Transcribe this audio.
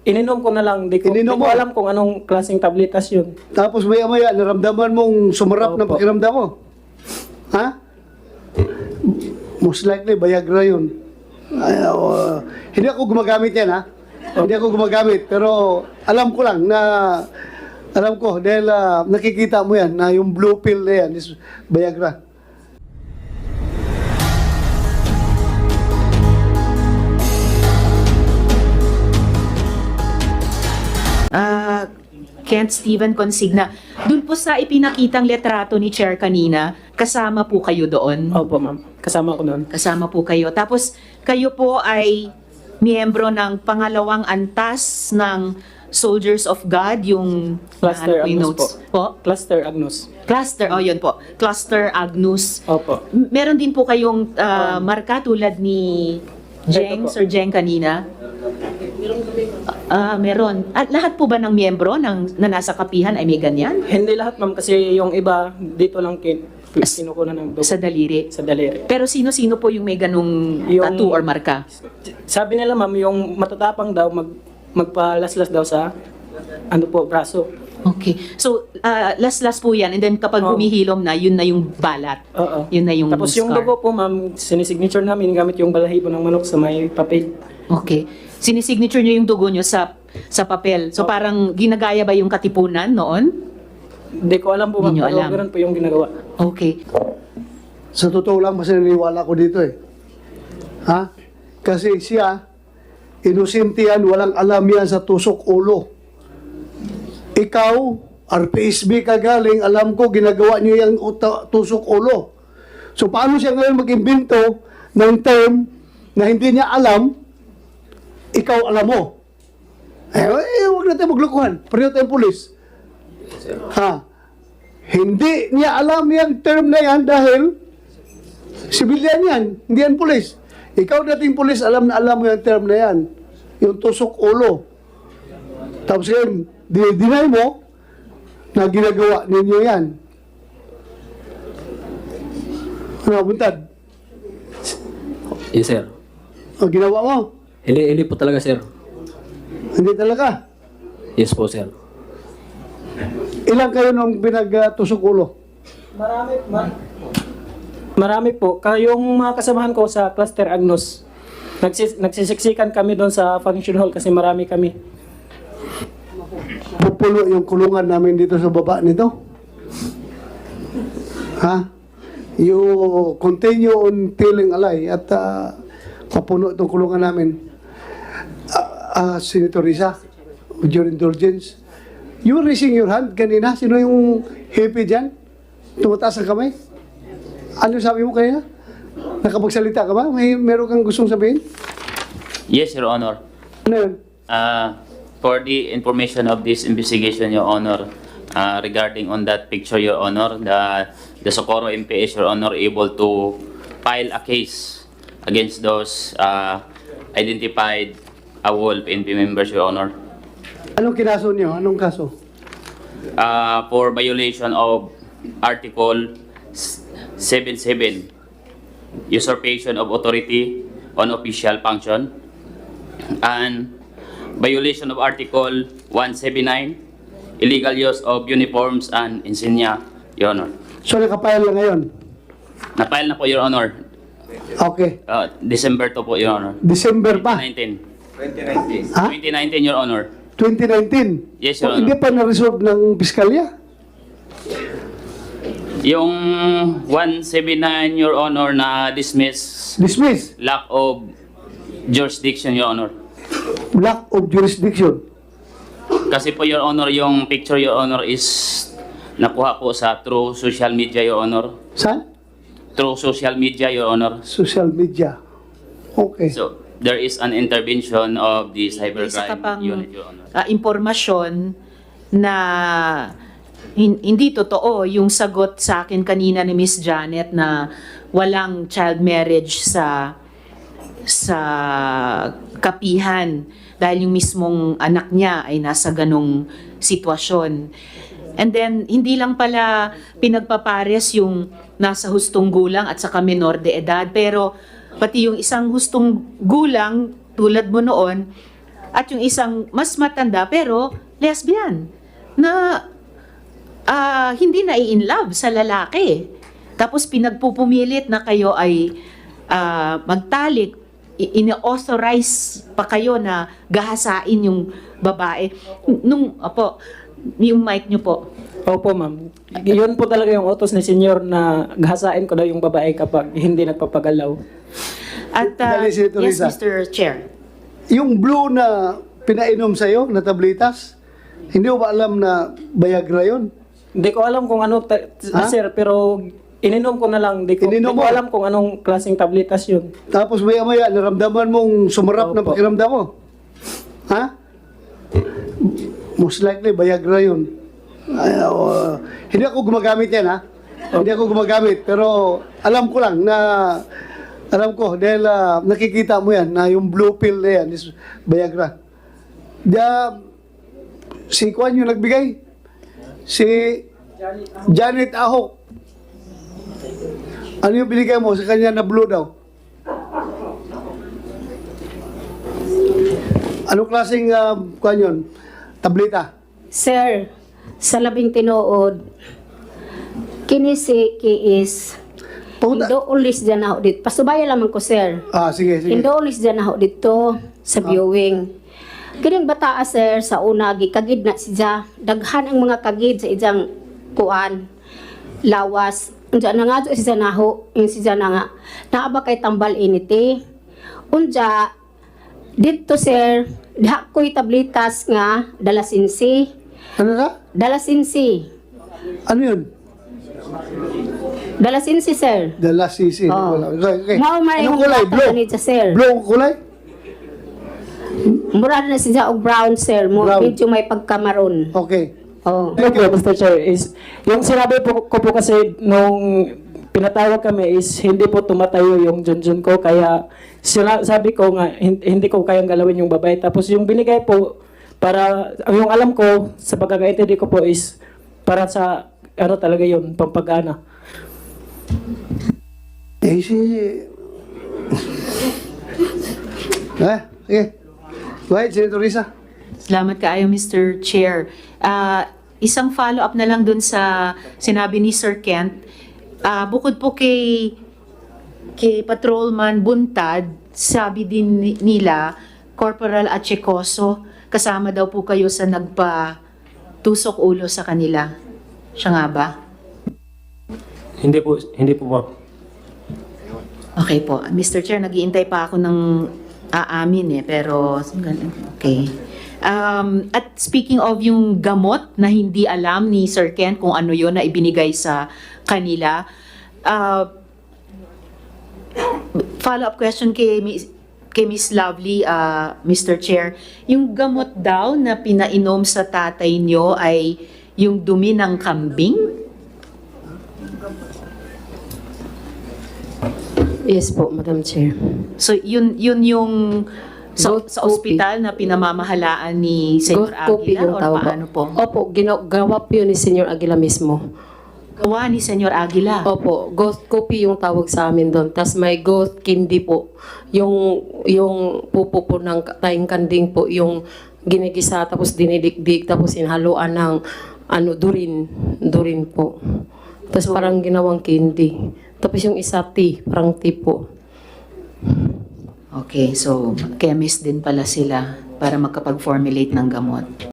Ininom ko na lang. Di Ininom ko mo? alam kung anong klaseng tabletas yun. Tapos maya-maya, naramdaman mong sumarap ng Opo. pakiramdam mo. Ha? Most likely, Viagra yun. Ay, hindi ako gumagamit yan, ha? Hindi ako gumagamit. Pero alam ko lang na, alam ko, dahil nakikita mo yan, na yung blue pill na yan is Viagra. Kent Steven Consigna, dun po sa ipinakitang letrato ni Chair kanina, kasama po kayo doon? Opo, ma'am. Kasama ko doon. Kasama po kayo. Tapos kayo po ay miyembro ng pangalawang antas ng Soldiers of God, yung Cluster ano po yung Agnus notes? po. Cluster Agnus. Cluster, oh yun po. Cluster Agnus. Opo. Meron din po kayong marka tulad ni Jeng, Ito po. Sir Jeng kanina? Meron. At lahat po ba ng miyembro na nasa kapihan ay may ganyan? Hindi lahat, ma'am, kasi yung iba dito lang kinukuha ng dugo. Sa daliri. Sa daliri. Pero sino-sino po yung may ganung Yung- tattoo or marka? Sabi nila, ma'am, yung matatapang daw, magpalaslas daw sa ano po, braso. Okay. So, last po yan. And then kapag Oh. humihilom na, yun na yung balat. Oo. Yun na yung Tapos yung scar. dugo po, ma'am, sinisignature namin gamit yung balahibo ng manok sa may papel. Okay. Sinisignature nyo yung dugo nyo sa papel. So, Opo. parang ginagaya ba yung katipunan noon? Hindi ko alam po, ma'am, Hindi nyo pero alam. ganun po yung ginagawa. Okay. Sa totoo lang, mas naniniwala ko dito eh. Ha? Kasi siya, inosente yan, walang alam yan sa tusok ulo. Ikaw, RPSB ka galing, alam ko, ginagawa niyo yung tusok ulo. So, paano siya ngayon mag-imbento ng term na hindi niya alam, ikaw alam mo? Huwag natin maglukuhan. Pareho tayong pulis. Ha? Hindi niya alam yung term na yan dahil sibilyan yan, hindi yan pulis. Ikaw dating pulis, alam mo yung term na yan. Yung tusok ulo. Tapos yun, dinay mo na ginagawa ninyo yan. Ano, buntad? Yes, sir. O, ginawa mo? Hili po talaga, sir. Hindi talaga. Yes po, sir. Ilang kayo nung pinag-tusok ulo? Marami po. Kayong mga kasamahan ko sa Cluster Agnus, nagsisiksikan kami doon sa function hall kasi marami kami. Pupulo yung kulungan namin dito sa baba nito. Ha? You continue on telling a lie at papuno itong kulungan namin. Senator Risa, with your indulgence, you were raising your hand kanina. Sino yung hippie dyan? Tumataas ang kamay? Ano sabi mo kanina? Nakapagsalita ka ba? Meron kang gustong sabihin? Yes, Your Honor. Ano yun? For the information of this investigation, Your Honor, regarding on that picture, Your Honor, the Socorro MPS, Your Honor, able to file a case against those identified AWOL PNP members, Your Honor, Anong kinaso niyo? Anong kaso? for violation of Article 77, usurpation of authority on official function, and violation of Article 179, illegal use of uniforms and insignia, Your Honor. So nakapayal lang ngayon? Na-file na po, Your Honor. Okay. December 2 po, Your Honor. December pa? 2019. Ha? 2019, Your Honor. 2019? Yes, Your O, hindi Honor. pa na-resolve ng piskalya? Yung 179, Your Honor, na dismiss Dismiss. lack of jurisdiction, Your Honor. Lack of jurisdiction. Kasi po, Your Honor, yung picture, Your Honor, is nakuha po sa through social media, Your Honor. Saan? Through social media, Your Honor. Social media. Okay. So, there is an intervention of the Isa ka cybercrime pang unit, Your Honor. impormasyon na hindi totoo yung sagot sa akin kanina ni Miss Janet na walang child marriage sa kapihan dahil yung mismong anak niya ay nasa ganong sitwasyon. And then, hindi lang pala pinagpapares yung nasa hustong gulang at saka menor de edad, pero pati yung isang hustong gulang tulad mo noon, At yung isang mas matanda pero lesbian na hindi na in love sa lalaki. Tapos pinagpupumilit na kayo ay magtalik, ini-authorize pa kayo na gahasain yung babae. Yung mic nyo po. Opo, ma'am. Yun po talaga yung utos ni Senyor na gahasain ko daw yung babae kapag hindi nagpapagalaw. At Dali, Senator yes, Risa. Mr. Chair. Yung blue na pinainom sa'yo, na tablitas, hindi mo ba alam na Viagra yun? Hindi ko alam kung ano, Ha? sir, pero ininom ko na lang. Di ko Ininom mo? alam kung anong klaseng tabletas yun. Tapos maya-maya, naramdaman mong sumarap ng Opo. pakiramdam mo. Ha? Most likely, Viagra yun. Hindi ako gumagamit yan, ha? Hindi ako gumagamit. Pero alam ko lang na, alam ko, dahil nakikita mo yan, na yung blue pill na yan is Viagra. Si Kwan yung nagbigay? Si Janet Ahok. Ano yung binigay mo sa kanya na blue daw? Anong klaseng kuan yun? Tableta? Sir, sa labing tinuod, kini si Kiis, Puta. Indo ulis dyan ako dito. Pasubaya lamang ko, sir. Sige, sige. Indo ulis dyan ako dito sa viewing. Kining bataa, sir, sa una, gikagid na siya. Daghan ang mga kagid sa ijang kuan, lawas. Unja na nga siya naho, yung siya na nga. Naaba kay tambal initi. Unja, dito, sir, diha ko'y tablitas nga, dalasinsi. Ano na? Dalasinsi. Ano yun? Dalasinsi, sir. Dala sisi. Oh. Okay. Mao may Anong yung kulay? bata Blue? ganit sa sir. Blue ang kulay? Mura na siya og brown, sir. Brown. Medyo may pagkamaroon. Okay. Oh. Thank you, Mr. Chair. Yung sinabi ko po kasi nung pinatawag kami is hindi po tumatayo yung junjun ko. Kaya sabi ko nga, hindi ko kayang galawin yung babae. Tapos yung binigay po, para, yung alam ko, sa pagkakaintindi ko po is para sa, ano talaga yun, pampagana. Sige. Go ahead, Senator Risa. Salamat kaayo, Mr. Chair. Isang follow-up na lang dun sa sinabi ni Sir Kent. Bukod po kay Patrolman Buntad, sabi din nila, Corporal Achecoso, kasama daw po kayo sa nagpa-tusok ulo sa kanila. Siya nga ba? Hindi po, ma'am. Okay po. Mr. Chair, nag-iintay pa ako ng aamin pero okay. At speaking of yung gamot na hindi alam ni Sir Ken kung ano yon na ibinigay sa kanila, follow-up question kay Miss Lovely, Mr. Chair, yung gamot daw na pinainom sa tatay nyo ay yung dumi ng kambing? Yes po, Madam Chair. So yun yung sa Goat ospital na pinamamahalaan ni Senyor Goat copy Aguila yung or tawag paano po? Opo, gawa po yun ni Senyor Aguila mismo. Gawa ni Senyor Aguila. Opo, ghost copy yung tawag sa amin doon. Tapos may ghost candy po. Yung pupo po ng tayong kanding po, yung ginigisa tapos dinidikdik tapos inhaluan ng durin po. Tapos parang ginawang candy. Tapos yung isa tea, parang tea po. Okay, so chemist din pala sila para makapag-formulate ng gamot.